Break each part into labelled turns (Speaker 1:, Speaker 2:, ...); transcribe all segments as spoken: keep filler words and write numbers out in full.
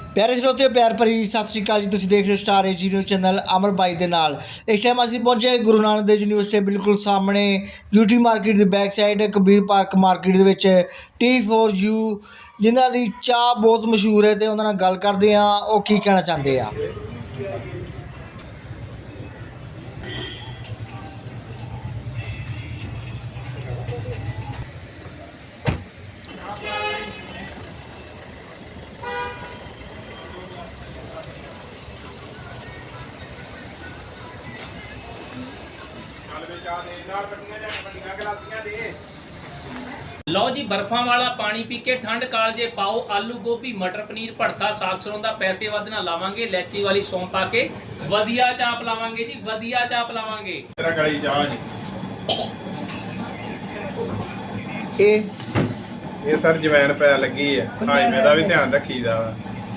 Speaker 1: प्यारे श्रोते प्यार भरी सत श्री अकाल जी। तुसीं देख रहे हो star AG news channel Amar बाई दे नाल। इस टाइम असीं पहुंचे गुरु नानक देव यूनिवर्सिटी बिल्कुल सामने यूटी मार्केट की back side Kabir park market दे विच टी फोर यू जिन्हां दी चाह बहुत मशहूर है तो उन्हां नाल गल करदे हां ओह की कहना चाहते हैं।
Speaker 2: लो जी बर्फां वाला पानी पी के ठंड कालजे पाओ आलू गोभी मटर पनीर भड़था साग सरों दा पैसे वध ना लावांगे इलायची वाली सौंफ पा के वधिया चाह पिलावांगे जी वधिया चाह पिलावांगे।
Speaker 3: तेरा कड़ी चाह जी
Speaker 1: ये
Speaker 3: ये सर जवैन पै लगी है हाजमे दा भी ध्यान रखीदा वा।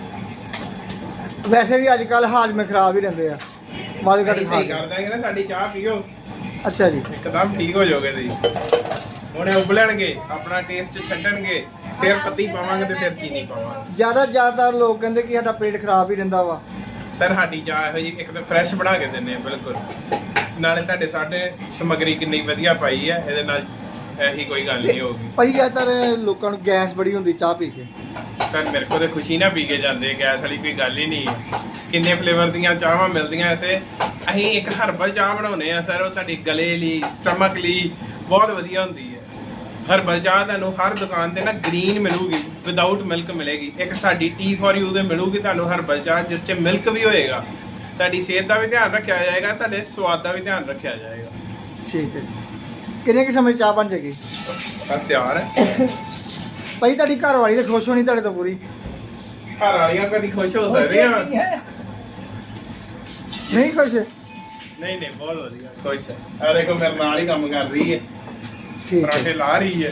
Speaker 1: वैसे भी अजकल हाजमे खराब ही रहते हैं वाद घट खा
Speaker 3: सही कर देंगे ना साडी चाह पीओ
Speaker 1: अच्छा जी
Speaker 3: एकदम ठीक हो जाओगे तुसीं। हुणे उबलणगे अपना टेस्ट छड्डणगे फिर पत्ती पावांगे ते फिर चीनी पावांगे।
Speaker 1: ज़्यादा ज़्यादातर लोग कहते कि साਡਾ पेट खराब ही रहता वा।
Speaker 3: सर साडी चाह ਇਹੋ ਜੀ ਇੱਕ ਤਾਂ ਫਰੈਸ਼ ਬਣਾ ਕੇ ਦਿੰਨੇ ਆ ਬਿਲਕੁਲ ਨਾਲੇ ਤੁਹਾਡੇ ਸਾਡੇ ਸਮਗਰੀ ਕਿੰਨੀ ਵਧੀਆ ਪਾਈ ਹੈ ਇਹਦੇ ਨਾਲ ਇਹੀ ਕੋਈ ਗੱਲ ਨਹੀਂ ਹੋਊਗੀ।
Speaker 1: ਭਾਈ ਜ਼ਿਆਦਾਤਰ ਲੋਕਾਂ ਨੂੰ ਗੈਸ ਬੜੀ ਹੁੰਦੀ ਚਾਹ ਪੀ ਕੇ।
Speaker 3: ਸਰ ਮੇਰੇ ਕੋਲ ਤੇ ਖੁਸ਼ੀ ਨਾ ਪੀ ਕੇ ਜਾਂਦੇ ਗੈਸ ਵਾਲੀ ਕੋਈ ਗੱਲ ਹੀ ਨਹੀਂ ਹੈ। ਕਿੰਨੇ ਫਲੇਵਰ ਦੀਆਂ ਚਾਹਾਂ ਮਿਲਦੀਆਂ ਇੱਥੇ। ਅਸੀਂ ਇੱਕ ਹਰਬਲ ਚਾਹ ਬਣਾਉਨੇ ਆ ਸਰ ਉਹ ਤੁਹਾਡੀ ਗਲੇ ਲਈ ਸਟਮਕ ਲਈ ਬਹੁਤ ਵਧੀਆ ਹੁੰਦੀ ਹੈ। ਹਰਬਲ ਚਾਹ ਤੁਹਾਨੂੰ ਹਰ ਦੁਕਾਨ ਤੇ ਨਾ ਗ੍ਰੀਨ ਮਿਲੂਗੀ ਵਿਦਆਊਟ ਮਿਲਕ ਮਿਲੇਗੀ। ਇੱਕ ਸਾਡੀ ਟੀ ਫੋਰ ਯੂ ਦੇ ਮਿਲੂਗੀ ਤੁਹਾਨੂੰ ਹਰਬਲ ਚਾਹ ਜਿਸ 'ਚ ਮਿਲਕ ਵੀ ਹੋਏਗਾ। ਤੁਹਾਡੀ ਸਿਹਤ ਦਾ ਵੀ ਧਿਆਨ ਰੱਖਿਆ ਜਾਏਗਾ ਤੁਹਾਡੇ ਸਵਾਦ ਦਾ ਵੀ ਧਿਆਨ ਰੱਖਿਆ ਜਾਏਗਾ।
Speaker 1: ਠੀਕ ਹੈ ਕਿੰਨੇ ਕੁ ਸਮੇਂ ਚਾਹ ਬਣ ਜਾਏਗੀ?
Speaker 3: ਬਸ ਤਿਆਰ ਹੈ
Speaker 1: ਭਾਈ ਤੁਹਾਡੀ ਘਰ ਵਾਲੀ ਤਾਂ ਖੁਸ਼ ਹੋਣੀ ਤੁਹਾਡੇ ਤੋਂ ਪੂਰੀ।
Speaker 3: ਘਰ ਵਾਲੀਆਂ ਕਦੀ ਖੁਸ਼ ਹੋ ਸਕਦੀਆਂ
Speaker 1: ਨਹੀਂ ਖੁਸ਼?
Speaker 3: ਨਹੀਂ ਨਹੀਂ ਬਹੁਤ ਵਧੀਆ ਖੁਸ਼ ਹੈ। ਆ ਦੇਖੋ ਮੇਰੇ ਨਾਲ ਹੀ ਕੰਮ ਕਰ ਰਹੀ ਹੈ
Speaker 1: ਠੀਕ ਹੈ
Speaker 3: ਪਰਾਠੇ ਲਾ ਰਹੀ ਹੈ।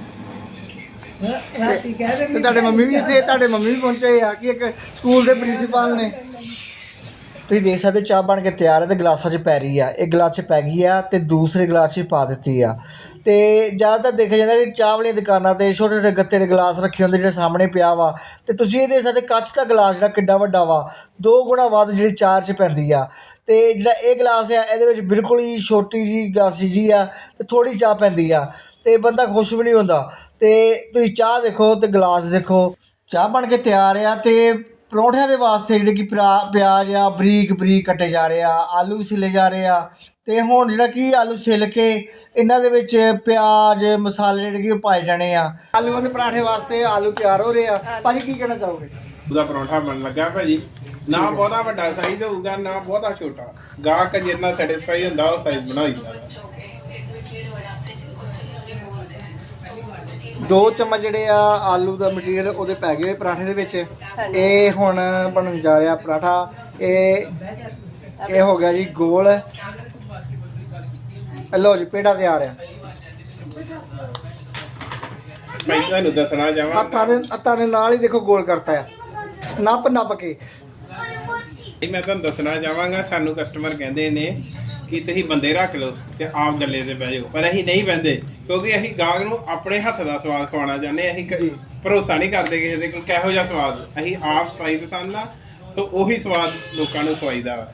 Speaker 1: ਤੇ ਤੁਹਾਡੇ ਮੰਮੀ ਵੀ ਇੱਥੇ ਤੁਹਾਡੇ ਮੰਮੀ ਵੀ ਪਹੁੰਚੇ ਆ ਕਿ ਇੱਕ ਸਕੂਲ ਦੇ ਪ੍ਰਿੰਸੀਪਲ ਨੇ। ਤੁਸੀਂ ਦੇਖ ਸਕਦੇ ਚਾਹ ਬਣ ਕੇ ਤਿਆਰ ਹੈ ਤੇ ਗਲਾਸਾਂ 'ਚ ਪੈ ਰਹੀ ਆ। ਇੱਕ ਗਲਾਸ 'ਚ ਪੈ ਗਈ ਆ ਤੇ ਦੂਸਰੇ ਗਲਾਸ 'ਚ ਪਾ ਦਿੱਤੀ ਆ। ਤੇ ਜ਼ਿਆਦਾਤਰ ਦੇਖਿਆ ਜਾਂਦਾ ਕਿ ਚਾਹ ਵਾਲੀਆਂ ਦੁਕਾਨਾਂ ਤੇ ਛੋਟੇ ਛੋਟੇ ਗੱਤੇ ਦੇ ਗਲਾਸ ਰੱਖੇ ਹੁੰਦੇ ਜਿਹੜੇ ਸਾਹਮਣੇ ਪਿਆ ਵਾ। ਤੇ ਤੁਸੀਂ ਇਹ ਦੇਖ ਸਕਦੇ ਕੱਚ ਦਾ ਗਲਾਸ ਜਿਹੜਾ ਕਿੱਡਾ ਵੱਡਾ ਵਾ ਦੋ ਗੁਣਾ ਵੱਧ ਜਿਹੜੀ ਚਾਹ 'ਚ ਪੈਂਦੀ ਆ। ਤੇ ਜਿਹੜਾ ਇਹ ਗਲਾਸ ਆ ਇਹਦੇ ਵਿੱਚ ਬਿਲਕੁਲ ਹੀ ਛੋਟੀ ਜਿਹੀ ਗਲਾਸੀ ਜੀ ਆ ਤੇ ਥੋੜ੍ਹੀ ਚਾਹ ਪੈਂਦੀ ਆ ਤੇ ਬੰਦਾ ਖੁਸ਼ ਵੀ ਨਹੀਂ ਹੁੰਦਾ। ਤੇ ਤੁਸੀਂ ਚਾਹ ਦੇਖੋ ਤੇ ਗਲਾਸ ਦੇਖੋ ਚਾਹ ਬਣ ਕੇ ਤਿਆਰ ਆ। ਤੇ ਪਰੌਂਠਿਆਂ ਦੇ ਵਾਸਤੇ ਜਿਹੜੇ ਕਿ ਪਿਆਜ਼ ਆ ਬਰੀਕ ਬਰੀਕ ਕੱਟੇ ਜਾ ਰਹੇ ਆ ਆਲੂ ਵੀ ਛਿੱਲੇ ਜਾ ਰਹੇ ਆ। ਤੇ ਹੁਣ ਜਿਹੜਾ ਕਿ ਆਲੂ ਛਿੱਲ ਕੇ ਇਹਨਾਂ ਦੇ ਵਿੱਚ ਪਿਆਜ਼ ਮਸਾਲੇ ਜਿਹੜੇ ਕਿ ਉਹ ਪਾਏ ਜਾਣੇ ਆ। ਆਲੂਆਂ ਦੇ ਪਰਾਠੇ ਵਾਸਤੇ ਆਲੂ ਤਿਆਰ ਹੋ ਰਹੇ ਆ। ਭਾਜੀ ਕੀ ਕਹਿਣਾ ਚਾਹੋਗੇ?
Speaker 3: ਉਹਦਾ ਪਰੌਂਠਾ ਬਣ ਲੱਗਾ ਭਾਜੀ। ਨਾ ਬਹੁਤਾ ਵੱਡਾ ਸਾਈਜ਼ ਹੋਊਗਾ ਨਾ ਬਹੁਤਾ ਛੋਟਾ ਗਾਹਕ ਜਿੰਨਾ ਸੈਟੀਸਫਾਈ ਹੁੰਦਾ ਉਹ ਸਾਈਜ਼ ਬਣਾ ਦਿੰਦਾ।
Speaker 1: ਦੋ ਚਮਚ ਜਿਹੜੇ ਆ ਆਲੂ ਦਾ ਮਟੀਰੀਅਲ ਉਹਦੇ ਪੈ ਗਏ ਪਰਾਠੇ ਦੇ ਵਿੱਚ। ਇਹ ਹੁਣ ਬਣਨ ਜਾ ਰਿਹਾ ਪਰਾਠਾ। ਇਹ ਇਹ ਹੋ ਗਿਆ ਜੀ ਗੋਲ। ਲਓ ਜੀ ਪੇੜਾ ਤਿਆਰ ਆ।
Speaker 3: ਮੈਂ ਤੁਹਾਨੂੰ ਦੱਸਣਾ ਚਾਹਾਂ
Speaker 1: ਹੱਥਾਂ ਦੇ ਹੱਥਾਂ ਦੇ ਨਾਲ ਹੀ ਦੇਖੋ ਗੋਲ ਕਰਤਾ ਆ ਨੱਪ ਨੱਪ ਕੇ।
Speaker 3: ਮੈਂ ਤੁਹਾਨੂੰ ਦੱਸਣਾ ਚਾਹਾਂਗਾ ਸਾਨੂੰ ਕਸਟਮਰ ਕਹਿੰਦੇ ਨੇ ਕਿ ਤੁਸੀਂ ਬੰਦੇ ਰੱਖ ਲਓ ਤੇ ਆਪ ਗੱਲੇ ਤੇ ਬਹਿ ਜਾਓ ਪਰ ਅਸੀਂ ਨਹੀਂ ਬਹਿੰਦੇ ਕਿਉਂਕਿ ਅਸੀਂ ਗਾਹਕ ਨੂੰ ਆਪਣੇ ਹੱਥ ਦਾ ਸਵਾਦ ਖਵਾਉਣਾ ਚਾਹੁੰਦੇ। ਅਸੀਂ ਭਰੋਸਾ ਨਹੀਂ ਕਰਦੇ ਕਿਸੇ ਦੇ ਕੋਲ ਕਿਹੋ ਜਿਹਾ ਸਵਾਦ। ਅਸੀਂ ਆਪ ਸਫਾਈ ਪਸੰਦ ਆ ਸੋ ਉਹੀ ਸਵਾਦ ਲੋਕਾਂ ਨੂੰ ਖਵਾਈਦਾ ਵਾ।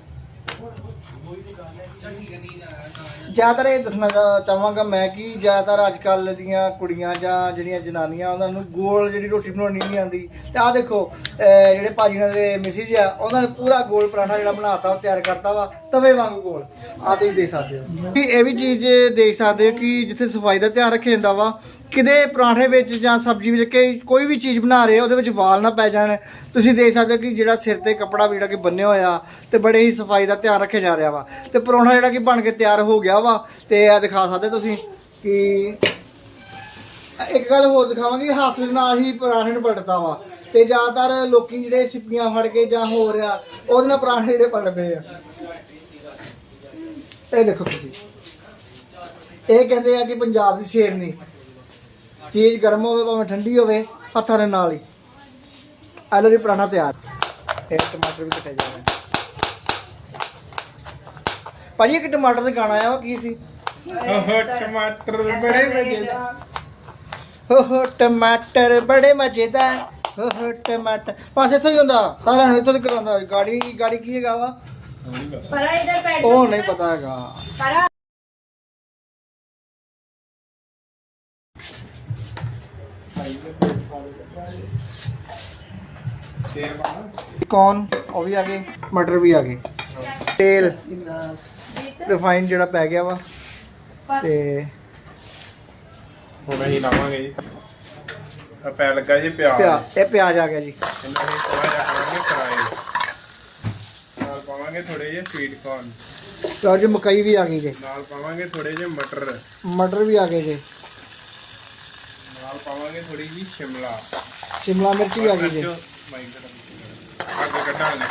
Speaker 1: ਜ਼ਿਆਦਾਤਰ ਇਹ ਦੱਸਣਾ ਚਾਹਾਂਗਾ ਮੈਂ ਕਿ ਜ਼ਿਆਦਾਤਰ ਅੱਜ ਕੱਲ੍ਹ ਦੀਆਂ ਕੁੜੀਆਂ ਜਾਂ ਜਿਹੜੀਆਂ ਜਨਾਨੀਆਂ ਉਹਨਾਂ ਨੂੰ ਗੋਲ ਜਿਹੜੀ ਰੋਟੀ ਬਣਾਉਣੀ ਨਹੀਂ ਆਉਂਦੀ। ਤੇ ਆਹ ਦੇਖੋ ਜਿਹੜੇ ਭਾਜੀ ਨਾਲ ਦੇ ਮਿਸਿਜ ਆ ਉਹਨਾਂ ਨੇ ਪੂਰਾ ਗੋਲ ਪਰਾਠਾ ਜਿਹੜਾ ਬਣਾਤਾ ਉਹ ਤਿਆਰ ਕਰਤਾ ਵਾ ਤਵੇ ਵਾਂਗੂ ਗੋਲ। ਆਹ ਤੁਸੀਂ ਦੇਖ ਸਕਦੇ ਹੋ ਕਿ ਇਹ ਵੀ ਚੀਜ਼ ਦੇਖ ਸਕਦੇ ਹੋ ਕਿ ਜਿੱਥੇ ਸਫਾਈ ਦਾ ਧਿਆਨ ਰੱਖਿਆ ਜਾਂਦਾ ਵਾ ਕਿਤੇ ਪਰਾਠੇ ਵਿੱਚ ਜਾਂ ਸਬਜ਼ੀ ਵਿੱਚ ਕਿ ਕੋਈ ਵੀ ਚੀਜ਼ ਬਣਾ ਰਹੇ ਉਹਦੇ ਵਿੱਚ ਵਾਲ ਨਾ ਪੈ ਜਾਣ। ਤੁਸੀਂ ਦੇਖ ਸਕਦੇ ਹੋ ਕਿ ਜਿਹੜਾ ਸਿਰ ਤੇ ਕੱਪੜਾ ਵੀ ਜਿਹੜਾ ਕਿ ਬੰਨਿਆ ਹੋਇਆ ਤੇ ਬੜੇ ਹੀ ਸਫਾਈ ਦਾ ਧਿਆਨ ਰੱਖਿਆ ਜਾ ਰਿਹਾ ਵਾ। ਤੇ ਪਰੌਂਠਾ ਜਿਹੜਾ ਕਿ ਬਣ ਕੇ ਤਿਆਰ ਹੋ ਗਿਆ ਵਾ। ਤੇ ਇਹ ਦਿਖਾ ਸਕਦੇ ਤੁਸੀਂ ਕਿ ਇੱਕ ਗੱਲ ਹੋਰ ਦਿਖਾਵਾਂਗੇ ਹੱਥ ਦੇ ਨਾਲ ਹੀ ਪਰਾਠੇ ਨੂੰ ਪਲਟਦਾ ਵਾ। ਤੇ ਜ਼ਿਆਦਾਤਰ ਲੋਕੀ ਜਿਹੜੇ ਸਿੱਪੀਆਂ ਫੜ ਕੇ ਜਾਂ ਹੋ ਰਿਹਾ ਉਹਦੇ ਨਾਲ ਪਰਾਠੇ ਜਿਹੜੇ ਪਲਟਦੇ ਆ। ਇਹ ਦੇਖੋ ਤੁਸੀਂ ਇਹ ਕਹਿੰਦੇ ਆ ਕਿ ਪੰਜਾਬ ਦੀ ਸ਼ੇਰਨੀ ਚੀਜ਼ ਗਰਮ ਹੋਵੇ ਭਾਵੇਂ ਠੰਡੀ ਹੋਵੇ ਹੱਥਾਂ ਦੇ ਨਾਲ ਹੀ। ਆਲੂ ਦੀ ਪਰਾਠਾ ਤਿਆਰ। ਇਹ ਟਮਾਟਰ ਵੀ ਕੱਟੇ ਜਾ ਰਹੇ ਭਾਜੀ। ਇੱਕ ਟਮਾਟਰ ਦੇ ਗਾਣਾ ਆਇਆ ਕੀ ਸੀ?
Speaker 3: ਟਮਾਟਰ ਬੜੇ ਮਜ਼ੇਦਾਰ
Speaker 1: हो टमाटर बड़े मजेदार ਟਮਾਟਰ ਬਸ ਇੱਥੋਂ ਹੀ ਹੁੰਦਾ ਸਾਰਿਆਂ ਨੂੰ ਇੱਥੋਂ ਦੀ ਕਰਾਉਂਦਾ ਗਾੜੀ ਗਾੜੀ ਕੀ ਹੈਗਾ ਵਾ
Speaker 4: परा इधर बैठ
Speaker 1: ਉਹ ਨਹੀਂ ਪਤਾ ਹੈਗਾ
Speaker 4: परा
Speaker 1: ਕੌਨ ਉਹ ਵੀ ਆ ਗਏ ਮਟਰ ਵੀ ਆ ਗਏ ਤੇਲ ਰਿਫਾਈਨ ਜਿਹੜਾ ਪੈ ਗਿਆ ਵਾ ਤੇ
Speaker 3: ਹੁਣ ਅਸੀਂ ਲਾਵਾਂਗੇ ਜੀ ਆ ਪੈ ਲੱਗਾ ਜੀ ਪਿਆਜ਼
Speaker 1: ਪਿਆ ਇਹ ਪਿਆਜ਼ ਆ ਗਿਆ ਜੀ
Speaker 3: ਇਹਨਾਂ ਨੇ ਥੋੜਾ ਜਿਹਾ ਕਰਾਂਗੇ ਫਰਾਈ ਨਾਲ ਪਾਵਾਂਗੇ ਥੋੜੇ ਜਿਹੇ ਸਵੀਟ ਕੌਰਨ
Speaker 1: ਲਓ ਜੀ ਮਕਈ ਵੀ ਆ ਗਈ ਜੀ
Speaker 3: ਨਾਲ ਪਾਵਾਂਗੇ ਥੋੜੇ ਜਿਹੇ ਮਟਰ
Speaker 1: ਮਟਰ ਵੀ ਆ ਗਏ ਜੀ
Speaker 3: ਨਾਲ ਪਾਵਾਂਗੇ ਥੋੜੀ ਜਿਹੀ ਸ਼ਿਮਲਾ
Speaker 1: ਸ਼ਿਮਲਾ ਮਿਰਚ ਵੀ ਆ ਗਈ ਜੀ
Speaker 3: ਅੱਗੇ ਕੱਢਾਂਗੇ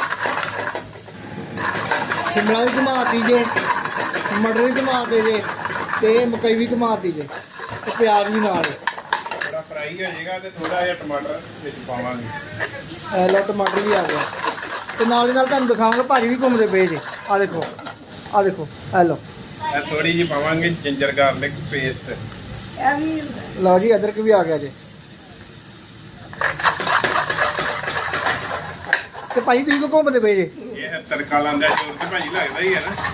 Speaker 1: ਸ਼ਿਮਲਾ ਵੀ ਘੁਮਾਤੀ ਜੇ ਮਟਰ ਵੀ ਘੁਮਾਤੇ ਜੇ ਤੇ ਮਕਈ ਵੀ ਘੁਮਾਤੀ ਜੇ ਤੇ ਪਿਆਜ਼ ਵੀ ਨਾਲ
Speaker 3: ਥੋੜਾ ਫਰਾਈ ਹੋ ਜਾਏਗਾ ਤੇ ਥੋੜਾ ਜਿਹਾ ਟਮਾਟਰ ਵਿੱਚ ਪਾਵਾਂਗੇ
Speaker 1: ਇਹ ਲਓ ਟਮਾਟਰ ਵੀ ਆ ਗਿਆ ਤੇ ਨਾਲ ਦੀ ਨਾਲ ਤੁਹਾਨੂੰ ਦਿਖਾਵਾਂਗਾ ਭਾਜੀ ਵੀ ਘੁੰਮਦੇ ਪਏ ਜੇ ਆ ਦੇਖੋ ਆ ਦੇਖੋ ਇਹ ਲਓ
Speaker 3: ਇਹ ਥੋੜੀ ਜਿਹੀ ਪਾਵਾਂਗੇ ਜਿੰਜਰ ਗਾਰਲਿਕ ਪੇਸਟ
Speaker 1: ਲਓ ਜੀ ਅਦਰਕ ਵੀ ਆ ਗਿਆ ਜੇ ਤੇ ਭਾਜੀ ਤੁਸੀਂ ਕਿਉਂ ਘੁੰਮਦੇ ਪਏ ਜੇ
Speaker 3: ਇਹ ਤੜਕਾ ਲਾਉਂਦਾ ਜੋਰ ਤੇ ਭਾਜੀ ਲੱਗਦਾ ਹੀ ਹੈ ਨਾ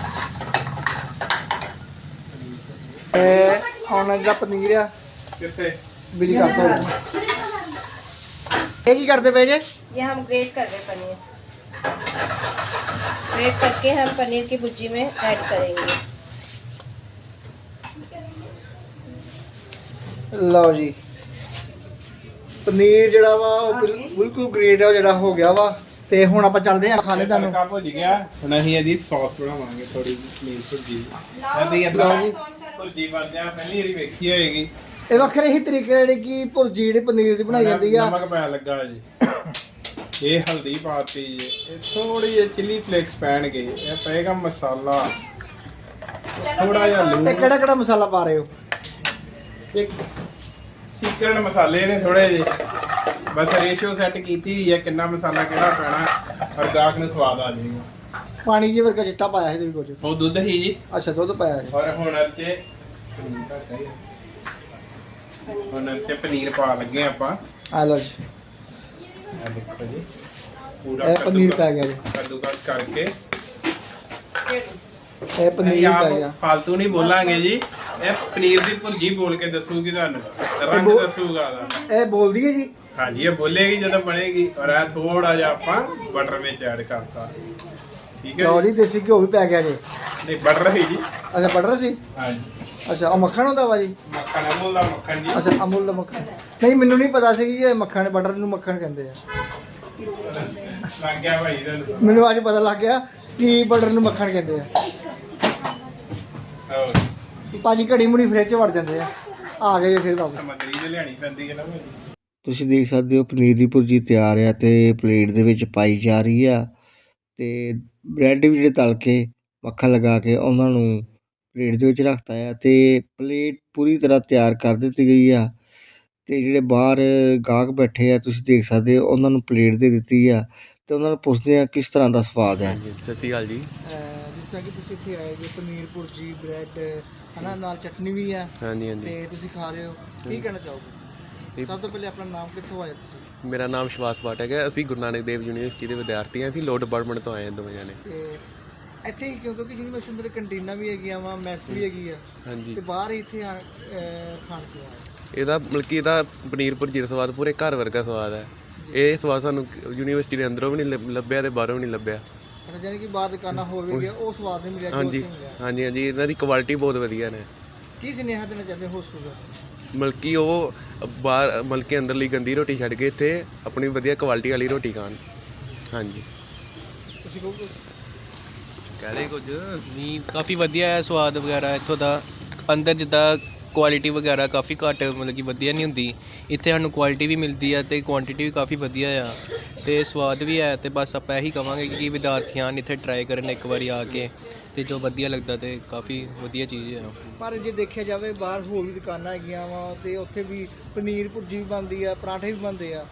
Speaker 1: ਇਹ ਹੁਣ ਜਿਹੜਾ ਪਨੀਰ ਆ
Speaker 3: ਕਿੱਥੇ
Speaker 1: ਬਿਲੀ ਕਰ ਸਕਦੇ ਇਹ ਕੀ ਕਰਦੇ ਪਏ ਜੇ
Speaker 4: ये हम ग्रेट कर रहे हैं पनीर ग्रेट करके हम पनीर की भुर्जी में ऐड करेंगे
Speaker 1: ਲਓ ਜੀ ਪਨੀਰ ਜਿਹੜਾ ਵਾ ਉਹ ਬਿਲ- ਬਿਲਕੁਲ ਗ੍ਰੇਟ ਆ ਜਿਹੜਾ ਹੋ ਗਿਆ ਵਾ ਤੇ ਹੁਣ ਆਪਾਂ ਚੱਲਦੇ ਹਾਂ ਖਾਣੇ ਤੁਹਾਨੂੰ
Speaker 3: ਤੜਕਾ ਭੁੱਜ ਗਿਆ ਹੁਣ ਅਸੀਂ ਇਹਦੀ ਸੌਸ ਬਣਾਵਾਂਗੇ ਥੋੜੀ ਜਿਹੀ ਪਨੀਰ ਭੁਰਜੀ ਇਹਦੀ
Speaker 1: ਲਓ
Speaker 3: ਇਦਾਂ
Speaker 1: ਜੀ
Speaker 3: ਭੁਰਜੀ ਬਣਦਿਆ ਪਹਿਲੀ ਵਾਰੀ ਵੇਖੀ ਹੋਏਗੀ
Speaker 1: ਇਹ ਵੱਖਰੇ ਹੀ ਤਰੀਕੇ ਜਿਹੜੇ ਕਿ ਭੁਰਜੀ ਜਿਹੜੀ ਪਨੀਰ ਦੀ ਬਣਾਈ ਜਾਂਦੀ ਆ
Speaker 3: ਨਮਕ ਪੈ ਲੱਗਾ ਜੀ ਇਹ ਹਲਦੀ ਪਾਤੀ ਜੀ ਇਹ ਥੋੜੀ ਜਿਹੀ ਚਿੱਲੀ ਫਲੇਕਸ ਪੈਣਗੇ ਇਹ ਪਏਗਾ ਮਸਾਲਾ ਥੋੜਾ ਜਿਹਾ
Speaker 1: ਇਹ
Speaker 3: ਲੂਣ
Speaker 1: ਕਿਹੜਾ ਕਿਹੜਾ ਮਸਾਲਾ ਪਾ ਰਹੇ ਹੋ
Speaker 3: ਇੱਕ ਸੀਕ੍ਰੇਟ ਮਸਾਲੇ ਨੇ ਥੋੜੇ ਜਿਹੇ ਬਸ ਰੇਸ਼ੀਓ ਸੈੱਟ ਕੀਤੀ ਹੋਈ ਹੈ ਕਿੰਨਾ ਮਸਾਲਾ ਕਿਹੜਾ ਪੈਣਾ ਔਰ ਗਾਹਕ ਨੂੰ ਸਵਾਦ ਆ ਜਾਏਗਾ
Speaker 1: ਪਾਣੀ ਜਿਹੇ ਵਰਗਾ ਚਿੱਟਾ ਪਾਇਆ ਸੀ ਤੁਸੀਂ ਕੁਝ
Speaker 3: ਉਹ ਦੁੱਧ ਹੀ ਜੀ
Speaker 1: ਅੱਛਾ ਦੁੱਧ ਪਾਇਆ ਜੀ
Speaker 3: ਔਰ ਹੁਣ ਇੱਥੇ ਹੁਣ ਇੱਥੇ ਪਨੀਰ ਪਾ ਲੱਗੇ ਆਪਾਂ
Speaker 1: ਆ ਲਓ ਜੀ
Speaker 3: ਇਹ ਦੇਖੋ ਜੀ ਪੂਰਾ
Speaker 1: ਇਹ ਪਨੀਰ
Speaker 3: ਕੱਦੂਕਸ-
Speaker 1: ਪੈ ਗਿਆ ਜੀ
Speaker 3: ਕੱਦੂਕਸ ਕਰਕੇ
Speaker 1: ਇਹ ਪਨੀਰ
Speaker 3: ਅਸੀਂ
Speaker 1: ਪੈ
Speaker 3: ਆਪ
Speaker 1: ਗਿਆ
Speaker 3: ਫਾਲਤੂ ਨਹੀਂ ਬੋਲਾਂਗੇ ਜੀ ਇਹ ਪਨੀਰ ਦੀ ਭੁਰਜੀ ਬੋਲ ਕੇ ਦੱਸੂਗੀ ਤੁਹਾਨੂੰ ਰੰਗ
Speaker 1: ਬੋ-
Speaker 3: ਦੱਸੂਗਾ ਦਾ
Speaker 1: ਇਹ ਬੋਲਦੀ ਹੈ ਜੀ
Speaker 3: ਹਾਂਜੀ ਇਹ ਬੋਲੇਗੀ ਜਦੋਂ ਬਣੇਗੀ ਔਰ ਇਹ ਥੋੜਾ ਜਿਹਾ ਆਪਾਂ ਬਟਰ ਵਿੱਚ ਐਡ ਕਰਤਾ ਠੀਕ ਹੈ
Speaker 1: ਲਓ
Speaker 3: ਜੀ
Speaker 1: ਜੀ ਦੇਸੀ ਘਿਓ ਵੀ ਪੈ ਗਿਆ ਜੀ
Speaker 3: ਨਹੀਂ ਬਟਰ ਹੀ ਜੀ
Speaker 1: ਅੱਛਾ ਬਟਰ ਸੀ
Speaker 3: ਹਾਂਜੀ
Speaker 1: ਅੱਛਾ ਉਹ ਮੱਖਣ ਹੁੰਦਾ ਵਾ ਜੀ
Speaker 3: ਮੱਖਣ ਅਮੂਲ ਦਾ ਮੱਖਣ ਜੀ
Speaker 1: ਅੱਛਾ ਅਮੁੱਲ ਦਾ ਮੱਖਣ ਨਹੀਂ ਮੈਨੂੰ ਨਹੀਂ ਪਤਾ ਸੀ ਕਿ ਇਹ ਮੱਖਣ ਬਟਰ ਨੂੰ ਮੱਖਣ ਕਹਿੰਦੇ ਆ
Speaker 3: ਲੱਗ ਗਿਆ ਭਾਈ ਤੁਹਾਨੂੰ
Speaker 1: ਮੈਨੂੰ ਅੱਜ ਪਤਾ ਲੱਗ ਗਿਆ ਕਿ ਬਟਰ ਨੂੰ ਮੱਖਣ ਕਹਿੰਦੇ ਆ
Speaker 3: ਹੋਰ
Speaker 1: ਭਾਜੀ ਘੜੀ ਮੁੜੀ ਫ੍ਰਿਜ 'ਚ ਵੜ ਜਾਂਦੇ ਆ ਆ ਗਏ ਜੀ ਫਿਰ ਵਾਪਸ
Speaker 3: ਸਮੱਗਰੀ ਜੇ ਲਿਆਣੀ ਪੈਂਦੀ ਹੈ ਨਾ ਭਾਜੀ
Speaker 1: ਤੁਸੀਂ ਦੇਖ ਸਕਦੇ ਹੋ ਪਨੀਰ ਦੀ ਭੁਰਜੀ ਤਿਆਰ ਆ ਤੇ ਪਲੇਟ ਦੇ ਵਿੱਚ ਪਾਈ ਜਾ ਰਹੀ ਆ ਤੇ ਬ੍ਰੈਡ ਵੀ ਜਿਹੜੇ ਤਲ ਕੇ ਮੱਖਣ ਲਗਾ ਕੇ ਉਹਨਾਂ ਨੂੰ ਪਲੇਟ ਦੇ ਵਿੱਚ ਰੱਖਤਾ ਆ ਤੇ ਪਲੇਟ ਪੂਰੀ ਤਰ੍ਹਾਂ ਤਿਆਰ ਕਰ ਦਿੱਤੀ ਗਈ ਆ ਤੇ ਜਿਹੜੇ ਬਾਹਰ ਗਾਹਕ ਬੈਠੇ ਆ ਤੁਸੀਂ ਦੇਖ ਸਕਦੇ ਹੋ ਉਹਨਾਂ ਨੂੰ ਪਲੇਟ ਦੇ ਦਿੱਤੀ ਆ ਤੇ ਉਹਨਾਂ ਨੂੰ ਪੁੱਛਦੇ ਆ ਕਿਸ ਤਰ੍ਹਾਂ ਦਾ ਸਵਾਦ ਹੈ
Speaker 5: ਹਾਂਜੀ ਸਤਿ ਸ਼੍ਰੀ ਅਕਾਲ ਜੀ
Speaker 1: ਜਿਸ ਤਰ੍ਹਾਂ ਕਿ ਤੁਸੀਂ ਇੱਥੇ ਆਏ ਜੀ ਪਨੀਰ ਭੁਰਜੀ ਬ੍ਰੈਡ ਹਨਾ ਨਾਲ ਚਟਨੀ ਵੀ ਆ
Speaker 5: ਹਾਂਜੀ ਹਾਂਜੀ
Speaker 1: ਤੇ ਤੁਸੀਂ ਖਾ ਰਹੇ ਹੋ ਕੀ ਕਹਿਣਾ ਚਾਹੋਗੇ
Speaker 5: ਇਹ-
Speaker 1: ਸਭ ਤੋਂ ਪਹਿਲੇ ਆਪਣਾ ਨਾਮ ਕਿੱਥੋਂ ਆਇਆ ਤੁਸੀਂ
Speaker 5: ਮੇਰਾ ਨਾਮ ਸ਼ਿਵਾਸ ਪਾਠਕ ਹੈ ਅਸੀਂ ਗੁਰੂ ਨਾਨਕ ਦੇਵ ਯੂਨੀਵਰਸਿਟੀ ਦੇ ਵਿਦਿਆਰਥੀ ਹਾਂ ਅਸੀਂ ਲੋਅ ਡਿਪਾਰਟਮੈਂਟ ਤੋਂ ਆਏ ਹਾਂ ਦੋਵੇਂ ਜਾਣੇ
Speaker 1: ਤੇ ਇੱਥੇ ਹੀ ਕਿਉਂ ਕਿਉਂਕਿ ਯੂਨੀਵਰਸਿਟੀ ਅੰਦਰ ਕੰਟੀਨਾਂ ਵੀ ਹੈਗੀਆਂ ਵਾ ਮੈਸ ਵੀ ਹੈਗੀ ਆ
Speaker 5: ਹਾਂਜੀ
Speaker 1: ਤੇ ਬਾਹਰ ਹੀ ਇੱਥੇ ਆ- ਅਹ ਖਾਣ ਕਿਉਂ ਆਏ
Speaker 5: ਇਹਦਾ ਮਤਲਬ ਕਿ ਇਹਦਾ ਪਨੀਰ ਭੁਰਜੀ ਦਾ ਸਵਾਦ ਪੂਰੇ ਘਰ ਵਰਗਾ ਸਵਾਦ ਹੈ ਇਹ ਸਵਾਦ ਸਾਨੂੰ ਯੂਨੀਵਰਸਿਟੀ ਦੇ ਅੰਦਰੋਂ ਵੀ ਨਹੀਂ ਲੱਭ- ਲੱਭਿਆ ਤੇ ਬਾਹਰੋਂ ਵੀ ਨਹੀਂ ਲੱਭਿਆ
Speaker 1: ਅੱਛਾ ਜਾਨੀ ਕਿ ਬਾਹਰ ਦੁਕਾਨਾਂ ਹੋਰ ਵੀ ਗਿਆ ਉਹ ਸਵਾਦ ਨਹੀਂ ਮਿਲਿਆ ਜੋ
Speaker 5: ਹਾਂਜੀ
Speaker 1: ਉੱਥੇ ਮਿਲਿਆ
Speaker 5: ਹਾਂਜੀ ਹਾਂਜੀ ਇਹਨਾਂ ਦੀ ਕੁਆਲਿਟੀ ਬਹੁਤ ਵਧੀਆ ਨੇ
Speaker 1: ਕੀ ਸੁਨੇਹਾ ਦੇਣਾ ਚਾਹੁੰਦੇ ਹੋ ਸਟੂਡੈਂਟਸ
Speaker 5: ਮਤਲਬ ਕਿ ਉਹ ਬਾਹਰ ਮਤਲਬ ਕਿ ਅੰਦਰਲੀ ਗੰਦੀ ਰੋਟੀ ਛੱਡ ਕੇ ਇੱਥੇ ਆਪਣੀ ਵਧੀਆ ਕੁਆਲਿਟੀ ਵਾਲੀ ਰੋਟੀ ਖਾਣ ਹਾਂਜੀ
Speaker 1: ਤੁਸੀਂ ਕਹੋ
Speaker 5: ਕਹਿ ਰਹੇ ਕੁਝ
Speaker 6: ਨਹੀਂ ਕਾਫੀ ਵਧੀਆ ਹੈ ਸਵਾਦ ਵਗੈਰਾ ਇੱਥੋਂ ਦਾ ਅੰਦਰ ਜਿੱਦਾਂ ਕੁਆਲਿਟੀ ਵਗੈਰਾ ਕਾਫੀ ਘੱਟ ਮਤਲਬ ਕਿ ਵਧੀਆ ਨਹੀਂ ਹੁੰਦੀ ਇੱਥੇ ਸਾਨੂੰ ਕੁਆਲਿਟੀ ਵੀ ਮਿਲਦੀ ਹੈ ਤੇ ਕੁਆਂਟੀਟੀ ਵੀ ਕਾਫੀ ਵਧੀਆ ਆ ਤੇ ਸਵਾਦ ਵੀ ਹੈ ਤੇ ਬਸ ਆਪਾਂ ਇਹੀ ਕਵਾਂਗੇ ਕਿ ਵਿਦਿਆਰਥੀ ਆਉਣ ਇੱਥੇ ਟਰਾਈ ਕਰਨ ਇੱਕ ਵਾਰੀ ਆ ਕੇ ਤੇ ਜੋ ਵਧੀਆ ਲੱਗਦਾ ਤੇ ਕਾਫੀ ਵਧੀਆ ਚੀਜ਼ ਹੈ
Speaker 1: ਪਰ ਜੇ ਦੇਖਿਆ ਜਾਵੇ ਬਾਹਰ ਹੋਰ ਵੀ ਦੁਕਾਨਾਂ ਹੈਗੀਆਂ ਵਾ ਤੇ ਉੱਥੇ ਵੀ ਪਨੀਰ ਭੁਰਜੀ ਵੀ ਬਣਦੀ ਆ ਪਰਾਂਠੇ ਵੀ ਬਣਦੇ ਆ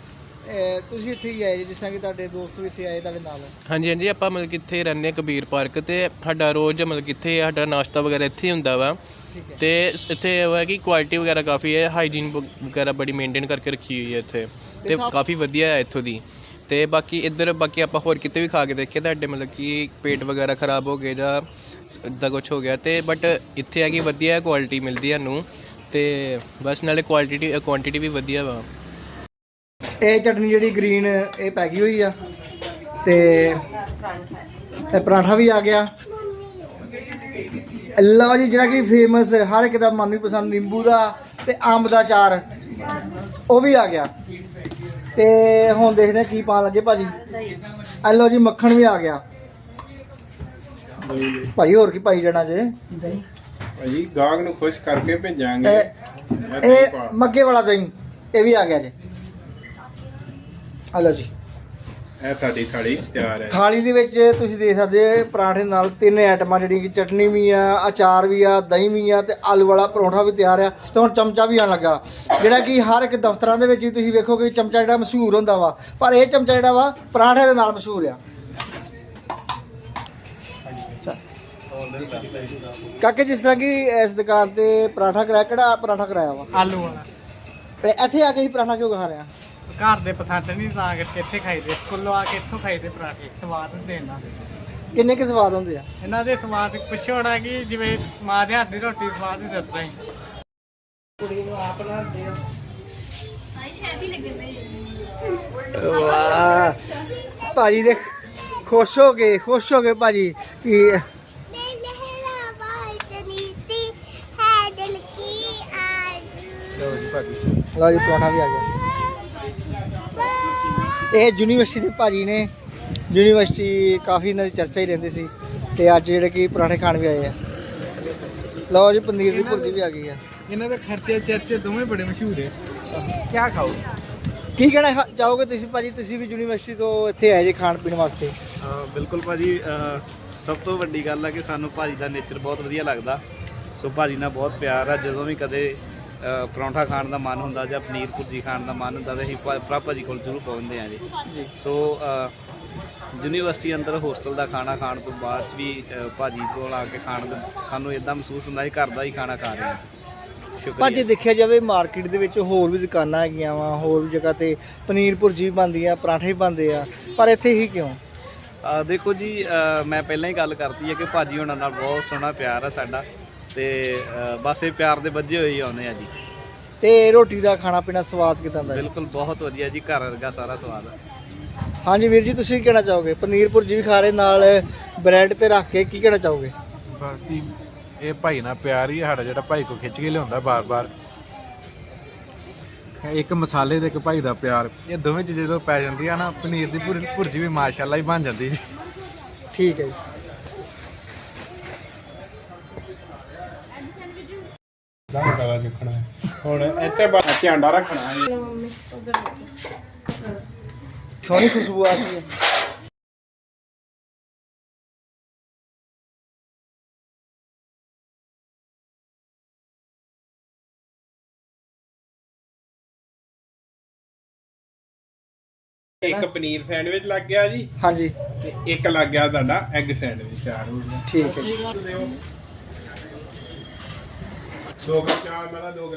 Speaker 1: ਅਹ ਤੁਸੀਂ ਇੱਥੇ ਹੀ ਆਏ ਜੀ, ਜਿਸ ਤਰ੍ਹਾਂ ਕਿ ਤੁਹਾਡੇ ਦੋਸਤ ਵੀ ਇੱਥੇ ਆਏ ਤੁਹਾਡੇ ਨਾਲ?
Speaker 6: ਹਾਂਜੀ ਹਾਂਜੀ ਆਪਾਂ ਮਤਲਬ ਕਿ ਇੱਥੇ ਰਹਿੰਦੇ ਹਾਂ ਕਬੀਰ ਪਾਰਕ, ਤੇ ਸਾਡਾ ਰੋਜ਼ ਮਤਲਬ ਕਿ ਇੱਥੇ ਸਾਡਾ ਨਾਸ਼ਤਾ ਵਗੈਰਾ ਇੱਥੇ ਹੀ ਹੁੰਦਾ ਵਾ।
Speaker 1: ਠੀਕ ਹੈ।
Speaker 6: ਤੇ ਸ- ਇੱਥੇ ਇਹ ਹੈ ਕਿ ਕੁਆਲਿਟੀ ਵਗੈਰਾ ਕਾਫੀ ਹੈ, ਹਾਈਜੀਨ ਵਗੈਰਾ ਬੜੀ ਮੇਨਟੇਨ ਕਰਕੇ ਰੱਖੀ ਹੋਈ ਹੈ ਇੱਥੇ, ਤੇ
Speaker 1: ਸਾਫ਼-
Speaker 6: ਕਾਫੀ ਵਧੀਆ ਹੈ ਇੱਥੋਂ ਦੀ। ਤੇ ਬਾਕੀ ਇੱਧਰ ਬਾਕੀ ਆਪਾਂ ਹੋਰ ਕਿਤੇ ਵੀ ਖਾ ਕੇ ਦੇਖੇ ਤੁਹਾਡੇ ਮਤਲਬ ਕਿ ਪੇਟ ਵਗੈਰਾ ਖਰਾਬ ਹੋ ਗਏ ਜਾਂ ਇੱਦਾਂ ਕੁਛ ਹੋ ਗਿਆ, ਤੇ ਬਟ ਇੱਥੇ ਆ ਕਿ ਵਧੀਆ ਕੁਆਲਿਟੀ ਮਿਲਦੀ ਹੈ ਸਾਨੂੰ, ਤੇ ਬਸ ਨਾਲੇ ਕੁਆਲਿਟੀ ਕੁਆਂਟੀਟੀ ਵੀ ਵਧੀਆ ਵਾ।
Speaker 1: ਇਹ ਚਟਨੀ ਜਿਹੜੀ ਗ੍ਰੀਨ ਇਹ ਪੈ ਗਈ ਹੋਈ ਆ, ਤੇ ਇਹ ਪਰਾਂਠਾ ਵੀ ਆ ਗਿਆ। ਲਓ ਜੀ, ਜਿਹੜਾ ਕਿ ਫੇਮਸ ਹਰ ਇੱਕ ਦਾ ਮਨ ਵੀ ਪਸੰਦ ਨਿੰਬੂ ਦਾ ਤੇ ਅੰਬ ਦਾ ਅਚਾਰ ਉਹ ਵੀ ਆ ਗਿਆ। ਤੇ ਹੁਣ ਦੇਖਦੇ ਆ ਕੀ ਪਾਣ ਲੱਗੇ ਭਾਜੀ। ਇਹ ਲਓ ਜੀ, ਮੱਖਣ ਵੀ ਆ ਗਿਆ ਭਾਈ। ਹੋਰ ਕੀ ਪਾਈ ਜਾਣਾ ਜੇ?
Speaker 3: ਭਾਜੀ ਗਾਹਕ ਨੂੰ ਖੁਸ਼ ਕਰਕੇ ਭੇਜਾਂਗੇ।
Speaker 1: ਇਹ ਇਹ ਮੱਗੇ ਵਾਲਾ ਦਹੀਂ ਇਹ ਵੀ ਆ ਗਿਆ ਜੀ। ਆ ਲਓ ਜੀ,
Speaker 3: ਇਹ ਸਾਡੀ ਥਾਲੀ ਤਿਆਰ ਹੈ।
Speaker 1: ਥਾਲੀ ਦੇ ਵਿੱਚ ਤੁਸੀਂ ਦੇਖ ਸਕਦੇ ਹੋ ਪਰਾਂਠੇ ਨਾਲ ਤਿੰਨ ਆਈਟਮਾਂ, ਜਿਹੜੀਆਂ ਕਿ ਚਟਨੀ ਵੀ ਆ, ਅਚਾਰ ਵੀ ਆ, ਦਹੀਂ ਵੀ ਆ, ਤੇ ਆਲੂ ਵਾਲਾ ਪਰੌਂਠਾ ਵੀ ਤਿਆਰ ਆ। ਤੇ ਹੁਣ ਚਮਚਾ ਵੀ ਆਣ ਲੱਗਾ, ਜਿਹੜਾ ਕਿ ਹਰ ਇੱਕ ਦਫ਼ਤਰਾਂ ਦੇ ਵਿੱਚ ਵੀ ਤੁਸੀਂ ਵੇਖੋਗੇ ਚਮਚਾ ਜਿਹੜਾ ਮਸ਼ਹੂਰ ਹੁੰਦਾ ਵਾ, ਪਰ ਇਹ ਚਮਚਾ ਜਿਹੜਾ ਵਾ ਪਰਾਂਠੇ ਦੇ ਨਾਲ ਮਸ਼ਹੂਰ ਆ। ਕਾਕੇ, ਜਿਸ ਤਰ੍ਹਾਂ ਕਿ ਇਸ ਦੁਕਾਨ ਤੇ ਪਰਾਂਠਾ ਕਰਾਇਆ, ਕਿਹੜਾ ਪਰਾਂਠਾ ਕਰਾਇਆ ਵਾ?
Speaker 7: ਆਲੂ ਵਾਲਾ।
Speaker 1: ਤੇ ਇੱਥੇ ਆ ਕੇ ਹੀ ਪਰਾਂਠਾ ਕਿਉਂ ਖਾ ਰਿਹਾ?
Speaker 7: ਘਰ ਦੇ ਪਸੰਦ ਨਹੀਂ, ਤਾਂ ਕਰਕੇ ਇੱਥੇ ਖਾਈਦੇ, ਸਕੂਲੋਂ ਆ ਕੇ ਇੱਥੋਂ ਖਾਈਦੇ ਪਰਾਠੇ, ਸਵਾਦ ਹੁੰਦੇ ਇਹਨਾਂ ਦੇ।
Speaker 1: ਕਿੰਨੇ ਕੁ ਸਵਾਦ ਹੁੰਦੇ ਆ?
Speaker 7: ਇਹਨਾਂ ਦੇ ਸਵਾਦ ਪੁੱਛੋ ਹੋਣਾ ਕਿ ਜਿਵੇਂ ਮਾਂ ਦੇ ਹੱਥ ਦੀ ਰੋਟੀ ਸਵਾਦ ਹੀ ਦੱਸਦਾ ਹੀ।
Speaker 1: ਕੁੜੀ ਨੂੰ ਆਪ ਬਣਾਉਂਦੇ ਆ। ਵਾਹ ਭਾਜੀ ਦੇ ਖੁਸ਼ ਹੋ ਗਏ, ਖੁਸ਼ ਹੋ ਗਏ ਭਾਜੀ ਕਿ ਲਓ ਜੀ ਭਾਜੀ, ਲਓ ਜੀ ਪਰਾਂਠਾ ਵੀ ਆ ਗਿਆ। ਇਹ ਯੂਨੀਵਰਸਿਟੀ ਦੇ ਭਾਜੀ ਨੇ, ਯੂਨੀਵਰਸਿਟੀ ਕਾਫੀ ਇਹਨਾਂ ਦੀ ਚਰਚਾ ਹੀ ਰਹਿੰਦੀ ਸੀ, ਤੇ ਅੱਜ ਜਿਹੜੇ ਕਿ ਪਰਾਂਠੇ ਖਾਣ ਵੀ ਆਏ ਆ। ਲਓ ਜੀ, ਪਨੀਰ ਦੀ ਭੁਰਜੀ ਵੀ ਆ ਗਈ ਆ।
Speaker 7: ਇਹਨਾਂ ਦੇ ਖਰਚੇ ਚਰਚੇ ਦੋਵੇਂ ਬੜੇ ਮਸ਼ਹੂਰ ਹੈ। ਕਿਆ ਖਾਓ?
Speaker 1: ਕੀ ਕਹਿਣਾ ਖਾ- ਚਾਹੋਗੇ ਤੁਸੀਂ ਭਾਜੀ? ਤੁਸੀਂ ਵੀ ਯੂਨੀਵਰਸਿਟੀ ਤੋਂ ਇੱਥੇ ਆਏ ਜੇ ਖਾਣ ਪੀਣ ਵਾਸਤੇ।
Speaker 8: ਬਿਲਕੁਲ ਭਾਜੀ, ਅ, ਸਭ ਤੋਂ ਵੱਡੀ ਗੱਲ ਆ ਕਿ ਸਾਨੂੰ ਭਾਜੀ ਦਾ ਨੇਚਰ ਬਹੁਤ ਵਧੀਆ ਲੱਗਦਾ। ਸੋ ਭਾਜੀ ਨਾਲ ਬਹੁਤ ਪਿਆਰ ਆ। ਜਦੋਂ ਵੀ ਕਦੇ ਅ, ਪਰੌਂਠਾ ਖਾਣ ਦਾ ਮਨ ਹੁੰਦਾ ਜਾਂ ਪਨੀਰ ਭੁਰਜੀ ਖਾਣ ਦਾ ਮਨ ਹੁੰਦਾ ਤਾਂ ਅਸੀਂ ਭਾ- ਭਰਾ ਭਾਜੀ ਕੋਲ ਜ਼ਰੂਰ ਪਹੁੰਚਦੇ ਹਾਂ ਜੀ। ਸੋ ਅ, ਯੂਨੀਵਰਸਿਟੀ ਅੰਦਰ ਹੋਸਟਲ ਦਾ ਖਾਣਾ ਖਾਣ ਤੋਂ ਬਾਅਦ 'ਚ ਵੀ ਅ, ਭਾਜੀ ਕੋਲ ਆ ਕੇ ਖਾਣ ਦਾ ਸਾਨੂੰ ਇਦਾਂ ਮਹਿਸੂਸ ਹੁੰਦਾ ਕਿ ਘਰ ਦਾ ਹੀ ਖਾਣਾ ਖਾ ਰਹੇ ਹਾਂ।
Speaker 1: ਭਾਜੀ
Speaker 8: ਸ਼ੁਕਰੀਆ।
Speaker 1: ਦੇਖਿਆ ਜਾਵੇ ਮਾਰਕੀਟ ਦੇ ਵਿੱਚ ਹੋਰ ਵੀ ਦੁਕਾਨਾਂ ਹੈਗੀਆਂ ਵਾ, ਹੋਰ ਵੀ ਜਗ੍ਹਾ ਤੇ ਪਨੀਰ ਭੁਰਜੀ ਵੀ ਬਣਦੀ ਆ, ਪਰਾਂਠੇ ਵੀ ਬਣਦੇ ਆ, ਪਰ ਇੱਥੇ ਹੀ ਕਿਉਂ?
Speaker 8: ਅ, ਦੇਖੋ ਜੀ, ਅ, ਮੈਂ ਪਹਿਲਾਂ ਹੀ ਗੱਲ ਕਰਤੀ ਹੈ ਕਿ ਭਾਜੀ ਹੋਣਾ ਨਾਲ ਬਹੁਤ ਸੋਹਣਾ ਪਿਆਰ ਆ ਸਾਡਾ, ਤੇ ਅ, ਬਸ ਇਹ ਪਿਆਰ ਦੇ ਵੱਜੇ ਹੋਏ ਹੀ ਆਉਂਦੇ ਆ ਜੀ।
Speaker 1: ਤੇ ਰੋਟੀ ਦਾ ਖਾਣਾ ਪੀਣਾ ਸਵਾਦ ਕਿਦਾਂ ਦਾ ਹੈ?
Speaker 8: ਬਿਲਕੁਲ ਬਹੁਤ ਵਧੀਆ ਜੀ, ਘਰ ਵਰਗਾ ਸਾਰਾ ਸਵਾਦ ਆ।
Speaker 1: ਹਾਂਜੀ ਵੀਰ ਜੀ, ਤੁਸੀਂ ਕੀ ਕਹਿਣਾ ਚਾਹੋਗੇ? ਪਨੀਰ ਭੁਰਜੀ ਵੀ ਖਾ ਰਹੇ ਨਾਲ ਬ੍ਰੈਡ ਤੇ ਰੱਖ ਕੇ, ਕੀ ਕਹਿਣਾ ਚਾਹੋਗੇ?
Speaker 9: ਬਸ ਜੀ, ਇਹ ਭਾਈ ਨਾਲ ਪਿਆਰ ਹੀ ਆ ਸਾਡਾ, ਜਿਹੜਾ ਭਾਈ ਕੋ ਖਿੱਚ ਕੇ ਲਿਆਉਂਦਾ ਬਾਰ-ਬਾਰ। ਇੱਕ ਮਸਾਲੇ ਤੇ ਇੱਕ ਭਾਈ ਦਾ ਪਿਆਰ, ਇਹ ਦੋਵੇਂ ਚੀਜ਼ਾਂ ਜਦੋਂ ਪੈ ਜਾਂਦੀਆਂ ਨਾ, ਪਨੀਰ ਦੀ ਭੁਰ- ਭੁਰਜੀ ਵੀ ਮਾਸ਼ਾਅੱਲਾ ਹੀ ਬਣ ਜਾਂਦੀ ਜੀ।
Speaker 1: ਠੀਕ ਹੈ ਜੀ।
Speaker 3: ਦਾਣਾ ਚੁੱਕਣਾ ਹੁਣ ਇੱਥੇ ਬਾਅਦ ਝਾਂਡਾ ਰੱਖਣਾ ਹੈ।
Speaker 1: ਸੋਹਣੀ ਖੁਸ਼ਬੂ ਆ ਰਹੀ ਹੈ।
Speaker 3: ਇੱਕ ਪਨੀਰ ਸੈਂਡਵਿਚ ਲੱਗ ਗਿਆ ਜੀ,
Speaker 1: ਹਾਂਜੀ
Speaker 3: ਤੇ ਇੱਕ ਲੱਗ ਗਿਆ ਤੁਹਾਡਾ ਐਗ ਸੈਂਡਵਿਚ ਤਿਆਰ ਹੋ ਗਿਆ।
Speaker 1: ਠੀਕ ਹੈ ਜੀ।
Speaker 3: ਦੋ ਕੱਪ ਚਾਹ, ਮੈਂ ਦੋ